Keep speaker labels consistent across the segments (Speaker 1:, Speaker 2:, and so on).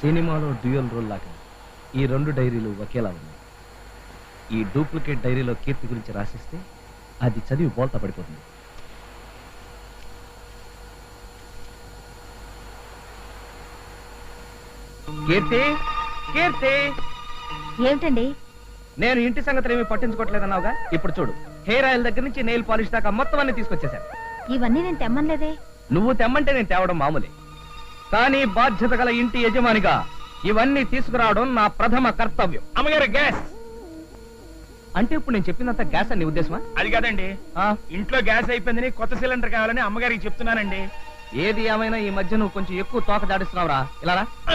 Speaker 1: సినిమాలో dual role లాగా ఈ రెండు డైరీలు ఒకేలా ఉన్నాయి. ఈ డూప్లికేట్ డైరీలో కీర్తి గురించి రాసిస్తే అది చదివి బోల్తా పడిపోతుంది. కీర్తి, కీర్తి,
Speaker 2: ఏమిటండి?
Speaker 1: నేను ఇంటి సంగతులు ఏమీ పట్టించుకోవట్లేదన్నావుగా, ఇప్పుడు చూడు, హెయిర్ ఆయిల్ దగ్గర నుంచి నెయిల్ పాలిష్ దాకా మొత్తం అన్ని తీసుకొచ్చేసాను.
Speaker 2: ఇవన్నీ నేను తెమ్మనలేదే.
Speaker 1: నువ్వు తెమ్మంటే నేను తేవడం మామూలే, కానీ బాధ్యత గల ఇంటి యజమానిగా ఇవన్నీ తీసుకురావడం నా ప్రథమ కర్తవ్యం.
Speaker 3: అమ్మగారు గ్యాస్
Speaker 1: అంటే ఇప్పుడు నేను చెప్పినంత గ్యాస్ అని ఉద్దేశమా?
Speaker 3: అది కాదండి, ఇంట్లో గ్యాస్ అయిపోయిందని కొత్త సిలిండర్ కావాలని అమ్మగారికి చెప్తున్నానండి.
Speaker 1: ఏది ఏమైనా ఈ మధ్య నువ్వు కొంచెం ఎక్కువ తోక దాడిస్తున్నావురా. ఇలా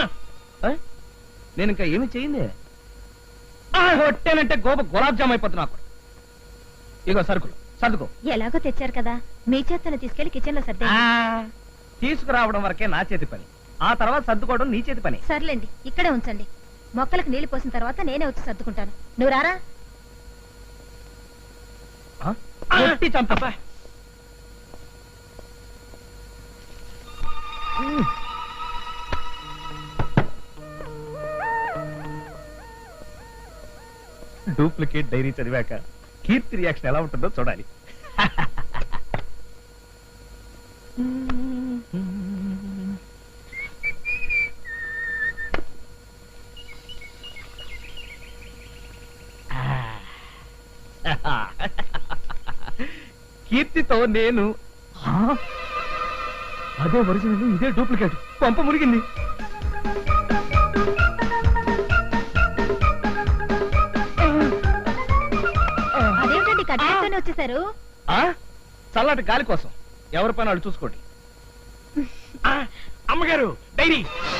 Speaker 1: నేను ఇంకా ఏమి చేయింది కొట్టానంటే గోప గులాబ్ జామ్ అయిపోతున్నా. ఇగో సరుకులు సర్దుకో.
Speaker 2: ఎలాగో తెచ్చారు కదా, మీ చేతను తీసుకెళ్లి కిచెన్ లో సర్దే.
Speaker 1: తీసుకురావడం వరకే నా చేతి పని, ఆ తర్వాత సర్దుకోవడం నీ చేతి పని.
Speaker 2: సర్లేండి, ఇక్కడే ఉంచండి. మొక్కలకు నీళ్లు పోసిన తర్వాత నేనే వచ్చి సర్దుకుంటాను. నువ్వు రారా.
Speaker 1: కొట్టి చంపా. డూప్లికేట్ డైరీ చదివాక కీర్తి రియాక్షన్ ఎలా ఉంటుందో చూడాలి. కీర్తితో నేను అదే ఒరిజినల్, ఇదే డూప్లికేట్. పంప మురిగింది.
Speaker 2: అదేమిటండి కట్టెతోనే వచ్చేసారు?
Speaker 1: చల్లటి గాలి కోసం ఎవరి పని వాళ్ళు చూసుకోండి.
Speaker 3: అమ్మగారు డైరీ.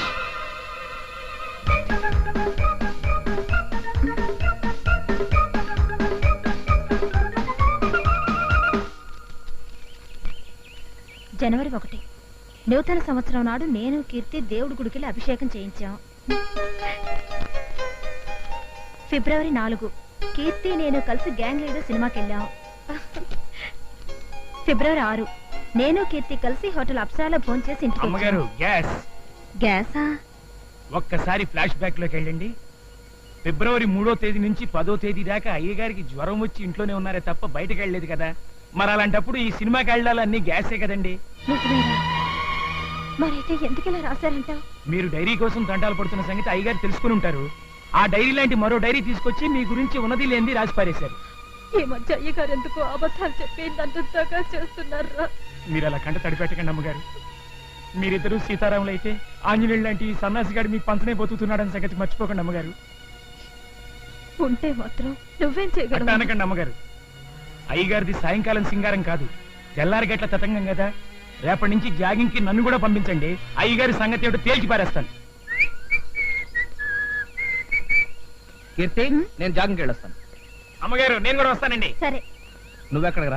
Speaker 2: జనవరి 1 నూతన సంవత్సరం నాడు నేను కీర్తి దేవుడి గుడికి అభిషేకం చేయించాం. ఫిబ్రవరి 4 కీర్తి నేను కలిసి గ్యాంగ్ లీడర్ సినిమాకి వెళ్ళాం. ఫిబ్రవరి 6 నేను కీర్తి కలిసి హోటల్ అప్సరాలో భోంచేసి ఇంటికి.
Speaker 3: అమ్మగారు గ్యాస్.
Speaker 2: గ్యాసా?
Speaker 3: ఒక్కసారి ఫ్లాష్ బ్యాక్ లోకి వెళ్ళండి. ఫిబ్రవరి 3వ తేదీ నుంచి 10వ తేదీ దాకా అయ్యగారికి జ్వరం వచ్చి ఇంట్లోనే ఉన్నారే తప్ప బయటకు వెళ్ళలేదు కదా. మరి అలాంటప్పుడు ఈ సినిమాకి వెళ్ళాలన్నీ గ్యాసే కదండి.
Speaker 2: మరైతే ఎందుకు ఇలా రాశారంటావు?
Speaker 3: మీరు డైరీ కోసం దండాలు పడుతున్న సంగతి అయ్యగారు తెలుసుకుని ఉంటారు. ఆ డైరీ లాంటి మరో డైరీ తీసుకొచ్చి మీ గురించి ఉన్నది లేనిది రాసి పారేశారు.
Speaker 2: ఈ మధ్య అయ్యగారు ఎందుకు అబద్ధాలు చెప్పి దంతగా చేస్తున్నారా?
Speaker 3: మీరు అలా కంట తడిపెట్టకండి అమ్మగారు. మీరిద్దరూ సీతారాములు అయితే ఆంజనేయులు లాంటి సన్నాసిగాడు మీ పంచనే బతుకుతున్నాడని సంగతి మర్చిపోకండి అమ్మగారు.
Speaker 2: ఉంటే మాత్రం నువ్వేం చేయగలవు?
Speaker 3: అనకండి అమ్మగారు. అయ్యగారిది సాయంకాలం సింగారం కాదు, తెల్లారి గట్ల తతంగం కదా. రేపటి నుంచి జాగింగ్ కి నన్ను కూడా పంపించండి. అయ్యగారి సంగతి ఏమిటో తేల్చి పారేస్తాను.
Speaker 1: కీర్తి, నేను జాగింగ్ వెళ్ళొస్తాను.
Speaker 3: అమ్మగారు నేను కూడా వస్తానండి.
Speaker 2: సరే.
Speaker 1: నువ్వెక్కడికి రా.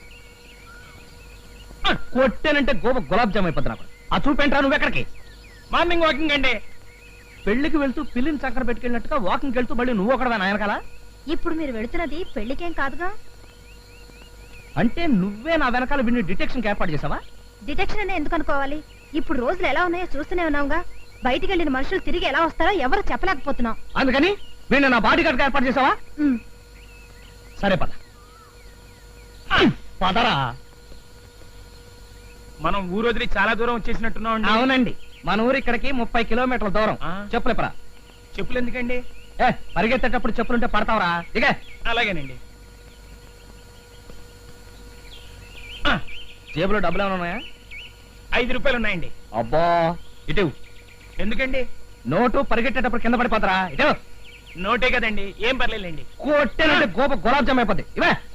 Speaker 1: కొట్టానంటే గోప గులాబ్ జామ్ అయిపోతున్నా. ఆ చూపేంట్రా నువ్వెక్కడికి?
Speaker 3: మార్నింగ్ వాకింగ్ అండి.
Speaker 1: పెళ్లికి వెళ్తూ పిల్లిని చక్కర పెట్టుకెళ్ళినట్టుగా వాకింగ్ వెళ్తూ మళ్ళీ నువ్వు ఒకడవే నాయనకాల.
Speaker 2: ఇప్పుడు మీరు వెళుతున్నది పెళ్లికేం కాదుగా.
Speaker 1: అంటే నువ్వే నా వెనకాల విని డిటెక్షన్ ఏర్పాటు చేసావా?
Speaker 2: డిటెక్షన్ అనే ఎందుకు అనుకోవాలి? ఇప్పుడు రోజులు ఎలా ఉన్నాయో చూస్తూనే ఉన్నావుగా. బయటికి వెళ్ళిన మనుషులు తిరిగి ఎలా వస్తారో ఎవరు చెప్పలేకపోతున్నాం.
Speaker 1: అందుకని వీళ్ళు నా బాడీ గార్డ్ ఏర్పాటు చేసావా? సరే పద. పదరా.
Speaker 3: మనం ఊరు వదిలి చాలా దూరం వచ్చేసినట్టున్నాం.
Speaker 1: అవునండి, మన ఊరు ఇక్కడికి 30 కిలోమీటర్ల దూరం. చెప్పులేపరా.
Speaker 3: చెప్పులు ఎందుకండి?
Speaker 1: పరిగెత్తేటప్పుడు చెప్పులుంటే పడతావరా. ఇక
Speaker 3: అలాగేనండి.
Speaker 1: జేబులో డబ్బులు ఏమైనా ఉన్నాయా?
Speaker 3: 5 రూపాయలు ఉన్నాయండి.
Speaker 1: అబ్బా, ఇటు.
Speaker 3: ఎందుకండి?
Speaker 1: నోటు పరిగెట్టేటప్పుడు కింద పడిపోతారా. ఇటు.
Speaker 3: నోటే కదండి, ఏం పర్లేదండి.
Speaker 1: కొట్టేనంటే గోప గులాబ్ జామ్ అయిపోద్ది. ఇవే